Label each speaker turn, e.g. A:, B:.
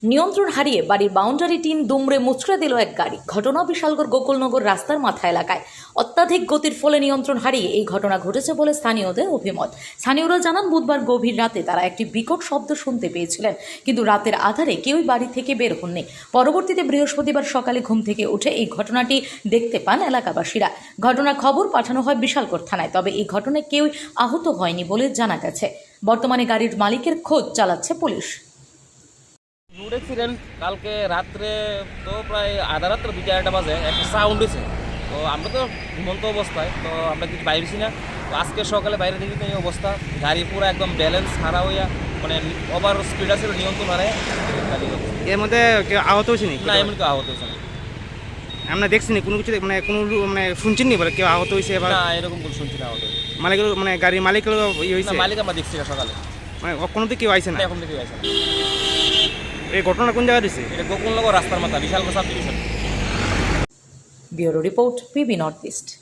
A: নিয়ন্ত্রণ হারিয়ে বাড়ির বাউন্ডারি টিন দুমড়ে মুচড়ে দিল এক গাড়ি। ঘটনা বিশালগড় গোকুলনগর রাস্তার মাথা এলাকায়। অত্যাধিক গতির ফলে নিয়ন্ত্রণ হারিয়ে এই ঘটনা ঘটেছে বলে স্থানীয়দের অভিমত। স্থানীয়রা জানান, বুধবার গভীর রাতে তারা একটি বিকট শব্দ শুনতে পেয়েছিলেন, কিন্তু রাতের আধারে কেউই বাড়ি থেকে বের হননি। পরবর্তীতে বৃহস্পতিবার সকালে ঘুম থেকে উঠে এই ঘটনাটি দেখতে পান এলাকাবাসীরা। ঘটনার খবর পাঠানো হয় বিশালগড় থানায়, তবে এই ঘটনায় কেউই আহত হয়নি বলে জানা গেছে। বর্তমানে গাড়ির মালিকের খোঁজ চালাচ্ছে পুলিশ।
B: রোড অ্যাক্সিডেন্ট কালকে রাত্রে তো প্রায় আধা রাত্রে 2-4টা বাজে একটা সাউন্ড হয়েছে। তো আমরা তো ঘুমন্ত অবস্থায়, তো আমরা কিছু বাইরেছি না। তো আজকে সকালে বাইরে দেখি তো এই অবস্থা, গাড়ি পুরো একদম ব্যালেন্স হারা হইয়া, মানে ওভার স্পিড আছে, নিয়ন্ত্রণ হারায় গাড়ি।
C: এর মধ্যে কেউ আহত হয়েছে নি?
B: না, এমন কেউ আহত হয়েছে না।
C: আমরা দেখছি না কোনো কিছু, মানে কোনো মানে শুনছেন নি বলে কেউ আহত হয়েছে? এবার
B: না, এরকম কোনো শুনছি না আহত হয়েছে।
C: মালিকের মানে গাড়ির মালিকের ইয়ে হয়েছে?
B: মালিক আমরা দেখছি না সকালে,
C: মানে কোনো তো কেউ আইছে না?
B: এখন থেকে আছে না।
C: এই ঘটনা কোন জায়গায় দিছে?
B: এটা গোকুলনগর রাস্তার মাথা, Bishalgarh subdivision.
A: Bureau report, PB north east.